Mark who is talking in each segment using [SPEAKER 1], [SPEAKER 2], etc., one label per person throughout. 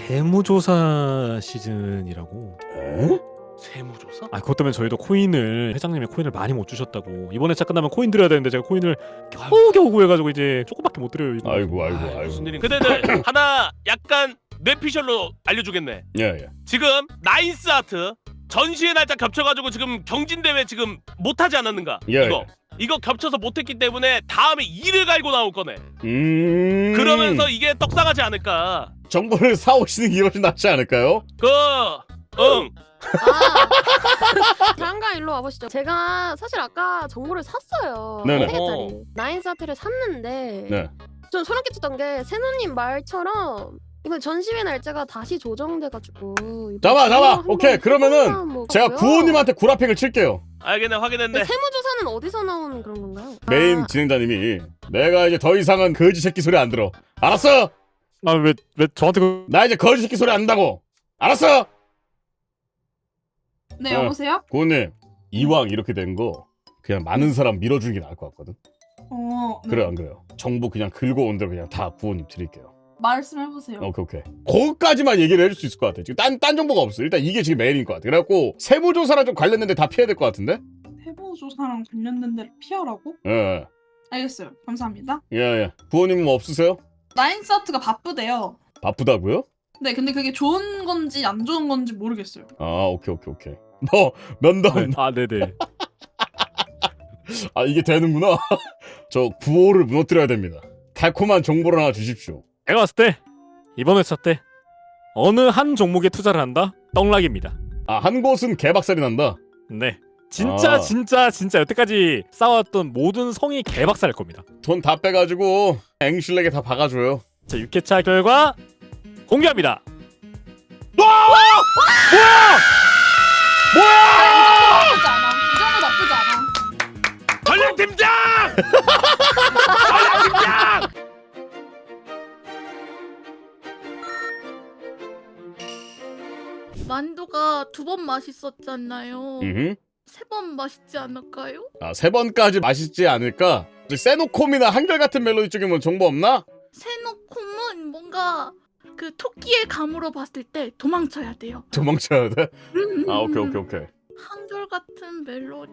[SPEAKER 1] 세무조사 시즌이라고.
[SPEAKER 2] 에?
[SPEAKER 3] 세무조사?
[SPEAKER 1] 아, 그것 때문에 저희도 회장님이 코인을 많이 못 주셨다고. 이번에 차 끝나면 코인 드려야 되는데 제가 코인을 겨우겨우 구해가지고 이제 조금밖에 못 드려요. 이거.
[SPEAKER 2] 아이고.
[SPEAKER 3] 무슨 일인? 그대들 하나 약간 뇌피셜로 알려주겠네.
[SPEAKER 2] 예.
[SPEAKER 3] 지금 나인스 아트 전시회 날짜 겹쳐가지고 지금 경진대회 지금 못하지 않았는가?
[SPEAKER 2] 예.
[SPEAKER 3] 이거 겹쳐서 못했기 때문에 다음에 이를 갈고 나올 거네.
[SPEAKER 2] 음.
[SPEAKER 3] 그러면서 이게 떡상하지 않을까?
[SPEAKER 2] 정보를 사오시는 게 훨씬 낫지 않을까요?
[SPEAKER 3] 응.
[SPEAKER 4] 잠깐 일로 와보시죠. 제가 사실 아까 정보를 샀어요.
[SPEAKER 2] 네네.
[SPEAKER 4] 3개짜리 나인사트를 샀는데
[SPEAKER 2] 네.
[SPEAKER 4] 좀 소름 끼쳤던 게 세노님 말처럼 이번 전시회 날짜가 다시 조정돼가지고
[SPEAKER 2] 잡아. 오케이. 그러면은 제가 구호님한테 구라팩을 칠게요.
[SPEAKER 3] 알겠네, 확인했네.
[SPEAKER 4] 세무조사는 어디서 나오는 그런 건가요?
[SPEAKER 2] 메인 진행자님이 내가 이제 더 이상은 거지 새끼 소리 안 들어. 알았어?
[SPEAKER 1] 아, 왜 저한테
[SPEAKER 2] 나 이제 거지 새끼 소리 안 한다고. 알았어?
[SPEAKER 5] 네, 여보세요?
[SPEAKER 2] 구호님, 이왕 이렇게 된 거 그냥 많은 사람 밀어주는 게 나을 것 같거든.
[SPEAKER 5] 네.
[SPEAKER 2] 그래 안 그래요? 정보 그냥 긁어 온 대로 그냥 다 구호님 드릴게요.
[SPEAKER 5] 말씀해보세요.
[SPEAKER 2] 오케이. 거기까지만 얘기를 해줄 수 있을 것 같아. 지금 딴 정보가 없어. 일단 이게 지금 메인인 것 같아. 그래갖고 세무조사랑 좀 관련된데 다 피해야 될 것 같은데?
[SPEAKER 5] 세무조사랑 관련된 데를 피하라고?
[SPEAKER 2] 예.
[SPEAKER 5] 알겠어요. 감사합니다.
[SPEAKER 2] 구호님은 뭐 없으세요?
[SPEAKER 5] 나인사트가 바쁘대요.
[SPEAKER 2] 바쁘다고요?
[SPEAKER 5] 네, 근데 그게 좋은 건지 안 좋은 건지 모르겠어요.
[SPEAKER 2] 아, 오케이. 너 면담.
[SPEAKER 1] 아, 네네.
[SPEAKER 2] 아, 이게 되는구나. 저 구호를 무너뜨려야 됩니다. 달콤한 정보를 하나 주십시오.
[SPEAKER 1] 제가 봤을 때 이번 회차 때 어느 한 종목에 투자를 한다? 떡락입니다.
[SPEAKER 2] 아, 한 곳은 개박살이 난다.
[SPEAKER 1] 네. 진짜 여태까지 쌓아왔던 모든 성이 개박살날 겁니다.
[SPEAKER 2] 돈 다 빼가지고 앵슐렉에 다 박아줘요.
[SPEAKER 1] 자, 6회차 결과 공개합니다.
[SPEAKER 5] 나쁘지 않아. 이 정도 나쁘지 않아.
[SPEAKER 3] 전략팀장! 전략팀장!
[SPEAKER 6] 만두가 2번 맛있었잖아요. 3번 맛있지 않을까요?
[SPEAKER 2] 아, 3번까지 맛있지 않을까? 세노콤이나 한결같은 멜로디 쪽에 뭐 정보 없나?
[SPEAKER 6] 세노콤은 뭔가 그 토끼의 감으로 봤을 때 도망쳐야 돼요.
[SPEAKER 2] 도망쳐야 돼? 아, 오케이.
[SPEAKER 6] 한결같은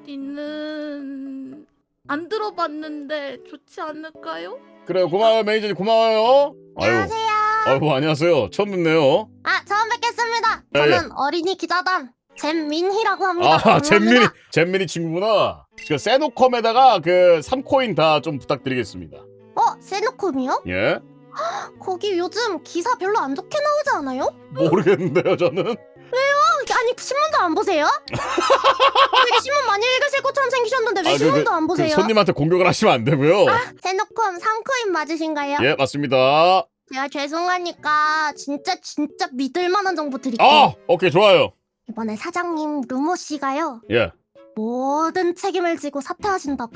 [SPEAKER 6] 멜로디는 안 들어봤는데 좋지 않을까요?
[SPEAKER 2] 그래요. 고마워요, 매니저님. 고마워요.
[SPEAKER 7] 안녕하세요.
[SPEAKER 2] 아이고, 안녕하세요. 처음 뵙네요.
[SPEAKER 7] 아, 처음 뵙겠습니다.
[SPEAKER 2] 예,
[SPEAKER 7] 저는 어린이 기자단 잼민희라고 합니다.
[SPEAKER 2] 아,
[SPEAKER 7] 감사합니다.
[SPEAKER 2] 잼민이 친구구나. 그 세노컴에다가 그 3코인 다 좀 부탁드리겠습니다.
[SPEAKER 7] 세노콤이요?
[SPEAKER 2] 예?
[SPEAKER 7] 거기 요즘 기사 별로 안 좋게 나오지 않아요?
[SPEAKER 2] 모르겠는데요, 저는.
[SPEAKER 7] 아니, 신문도 안 보세요? 되게 신문 많이 읽으실 것처럼 생기셨는데 왜 신문도 안 보세요?
[SPEAKER 2] 손님한테 공격을 하시면 안 되고요.
[SPEAKER 7] 세노콤 3코인 맞으신가요?
[SPEAKER 2] 예, 맞습니다.
[SPEAKER 7] 제가 죄송하니까 진짜 믿을 만한 정보 드릴게요.
[SPEAKER 2] 아, 오케이, 좋아요.
[SPEAKER 7] 이번에 사장님 루모 씨가요.
[SPEAKER 2] 예.
[SPEAKER 7] 모든 책임을 지고 사퇴하신다고.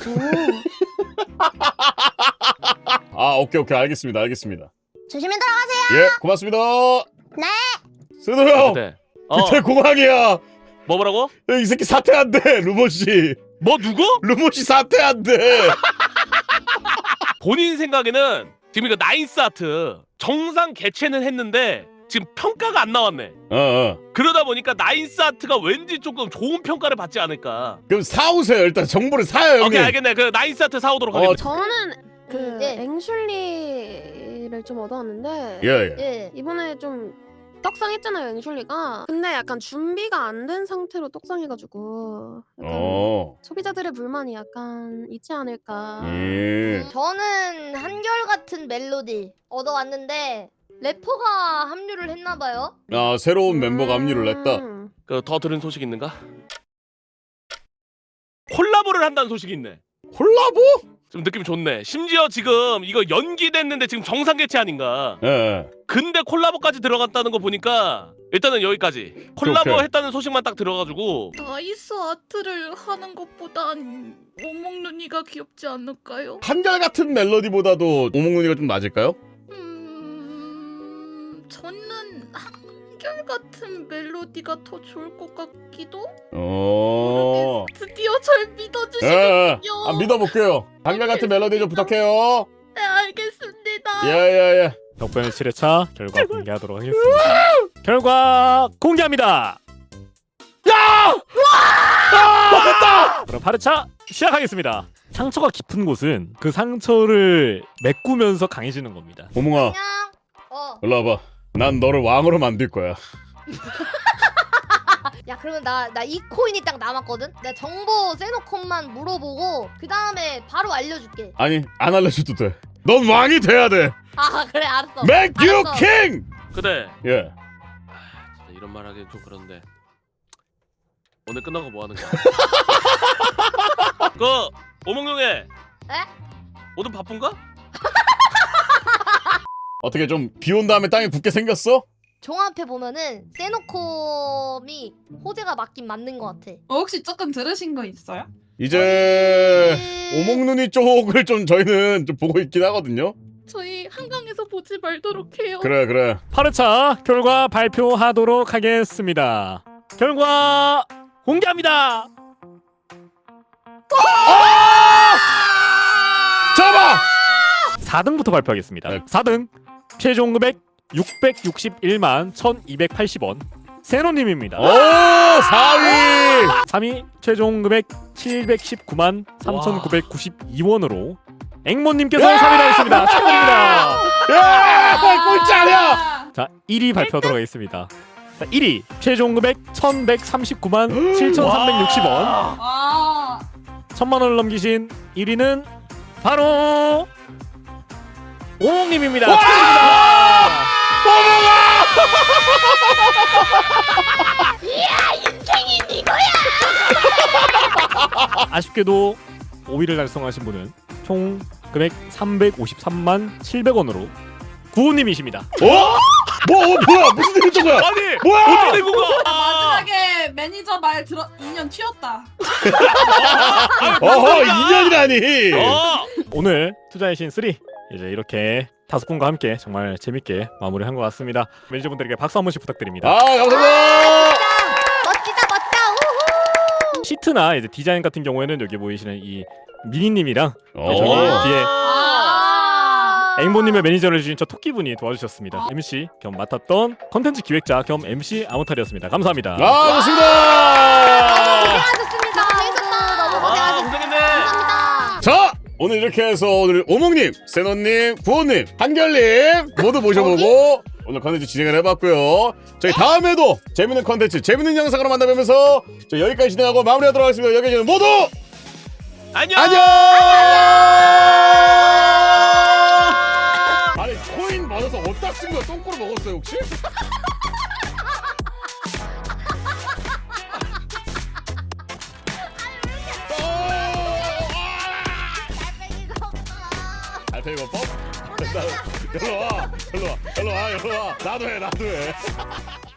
[SPEAKER 2] 아, 오케이, 알겠습니다.
[SPEAKER 7] 조심히 들어가세요.
[SPEAKER 2] 예, 고맙습니다.
[SPEAKER 7] 네.
[SPEAKER 2] 스노 형,
[SPEAKER 3] 네.
[SPEAKER 2] 밑에 공항이야.
[SPEAKER 3] 뭐라고?
[SPEAKER 2] 이 새끼 사퇴한대, 루모씨.
[SPEAKER 3] 뭐 누구?
[SPEAKER 2] 루모씨 사퇴한대.
[SPEAKER 3] 본인 생각에는 지금 이거 나인스 아트 정상 개최는 했는데 지금 평가가 안 나왔네. 그러다 보니까 나인스 아트가 왠지 조금 좋은 평가를 받지 않을까.
[SPEAKER 2] 그럼 사오세요. 일단 정보를 사요, 형님.
[SPEAKER 3] 오케이, 알겠네. 그 나인스 아트 사오도록 하겠습니다.
[SPEAKER 4] 저는 그
[SPEAKER 7] 네.
[SPEAKER 4] 앵슐리를 좀 얻어왔는데
[SPEAKER 2] 예.
[SPEAKER 4] 이번에 좀 떡상했잖아요, 앵슐리가. 근데 약간 준비가 안 된 상태로 떡상해가지고 약간 소비자들의 불만이 약간 있지 않을까.
[SPEAKER 8] 저는 한결같은 멜로디 얻어왔는데 래퍼가 합류를 했나봐요.
[SPEAKER 2] 아, 새로운 멤버가 합류를 했다.
[SPEAKER 3] 그 더 들은 소식 있는가? 콜라보를 한다는 소식이 있네.
[SPEAKER 2] 콜라보?
[SPEAKER 3] 좀 느낌이 좋네. 심지어 지금 이거 연기됐는데 지금 정상 개최 아닌가.
[SPEAKER 2] 예.
[SPEAKER 3] 근데 콜라보까지 들어갔다는 거 보니까 일단은 여기까지. 콜라보
[SPEAKER 2] 오케이.
[SPEAKER 3] 했다는 소식만 딱 들어가지고
[SPEAKER 6] 나이스 아트를 하는 것보단 오목눈이가 귀엽지 않을까요?
[SPEAKER 2] 한결같은 멜로디보다도 오목눈이가 좀 맞을까요?
[SPEAKER 6] 저는 한결같은 멜로디가 더 좋을 것 같기도?
[SPEAKER 2] 어.
[SPEAKER 6] 드디어 절 믿어주시군요.
[SPEAKER 2] 믿어볼게요. 한결같은 멜로디 좀 부탁해요.
[SPEAKER 6] 네 알겠습니다.
[SPEAKER 2] 야야야.
[SPEAKER 1] 덕분에 7회차 결과 공개하도록 하겠습니다. 결과 공개합니다.
[SPEAKER 2] 맞았다.
[SPEAKER 1] 그럼 8회차 시작하겠습니다. 상처가 깊은 곳은 그 상처를 메꾸면서 강해지는 겁니다.
[SPEAKER 2] 오몽아,
[SPEAKER 8] 안녕.
[SPEAKER 2] 일로 와봐. 난 너를 왕으로 만들 거야.
[SPEAKER 8] 야 그러면 나 이 코인이 딱 남았거든. 내가 정보 세노콘만 물어보고 그 다음에 바로 알려줄게.
[SPEAKER 2] 아니 안 알려줘도 돼. 넌 왕이 돼야 돼.
[SPEAKER 8] 아 그래 알았어.
[SPEAKER 2] Make you
[SPEAKER 8] 알았어.
[SPEAKER 2] king.
[SPEAKER 3] 그래.
[SPEAKER 2] 예.
[SPEAKER 3] 진짜 이런 말 하기엔 좀 그런데 오늘 끝나고 뭐 하는 거야? 그 오몽룡에.
[SPEAKER 8] 에?
[SPEAKER 3] 오늘 바쁜가?
[SPEAKER 2] 어떻게 좀 비 온 다음에 땅에 굳게 생겼어?
[SPEAKER 8] 종합해 보면은 세노콤이 호재가 맞긴 맞는 것 같아.
[SPEAKER 5] 혹시 조금 들으신 거 있어요?
[SPEAKER 2] 이제 오목눈이 쪽을 좀 저희는 좀 보고 있긴 하거든요.
[SPEAKER 6] 저희 한강에서 보지 말도록 해요.
[SPEAKER 2] 그래 그래.
[SPEAKER 1] 8회차 결과 발표하도록 하겠습니다. 결과 공개합니다.
[SPEAKER 2] 잡아.
[SPEAKER 1] 4등부터 발표하겠습니다.
[SPEAKER 2] 네.
[SPEAKER 1] 4등 최종 금액 661만 1280원 세노님입니다.
[SPEAKER 2] 오 4위.
[SPEAKER 1] 3위 최종 금액 719만 3992원으로 앵모님께서 3위를 하셨습니다. 축하드립니다.
[SPEAKER 2] 야 꼴찌 아니야.
[SPEAKER 1] 자 1위 발표하도록 하겠습니다. 자 1위 최종 금액 1139만 7360원
[SPEAKER 5] 아
[SPEAKER 1] 1000만원을 넘기신 1위는 바로 오몽님입니다.
[SPEAKER 2] 와!
[SPEAKER 1] 축하드립니다. 아쉽게도 5위를 달성하신 분은 총 금액 353만 700원으로 구호님이십니다.
[SPEAKER 2] 어? 뭐야 무슨 일이 있던 거야?
[SPEAKER 3] 아니
[SPEAKER 2] 뭐야?
[SPEAKER 3] 어떻게 된 거야?
[SPEAKER 5] 마지막에 매니저 말 들어 2년 튀었다.
[SPEAKER 2] 어허 2년이라니.
[SPEAKER 1] 오늘 투자의 신 3 이제 이렇게 5분과 함께 정말 재밌게 마무리한 것 같습니다. 매니저분들에게 박수 한 번씩 부탁드립니다.
[SPEAKER 2] 아 감사합니다.
[SPEAKER 8] 멋지다 멋져. 우후.
[SPEAKER 1] 시트나 이제 디자인 같은 경우에는 여기 보이시는 이 미니님이랑
[SPEAKER 2] 어.
[SPEAKER 1] 저기 뒤에
[SPEAKER 8] 아.
[SPEAKER 1] 앵보님의 매니저를 해주신 저 토끼분이 도와주셨습니다. MC 겸 맡았던 컨텐츠 기획자 겸 MC 아무탈이었습니다. 감사합니다.
[SPEAKER 2] 아 좋습니다.
[SPEAKER 8] 고생하셨습니다. 재밌었다. 너무 고생하셨습니다.
[SPEAKER 3] 고생했네.
[SPEAKER 8] 감사합니다.
[SPEAKER 2] 자 오늘 이렇게 해서 오늘 오목님, 세노님, 구호님, 한결님 모두 모셔보고 오늘 컨텐츠 진행을 해봤고요. 저희 다음에도 재밌는 컨텐츠, 재밌는 영상으로 만나뵈면서 저희 여기까지 진행하고 마무리하도록 하겠습니다. 여기까지는 모두
[SPEAKER 3] 안녕.
[SPEAKER 2] 안녕. 아니 코인 받아서 어디다 쓴 거야? 똥꼬로 먹었어요 혹시? 알페이버법? 일로 와, 일로 와, 일로 와, 일로 와. 나도 해.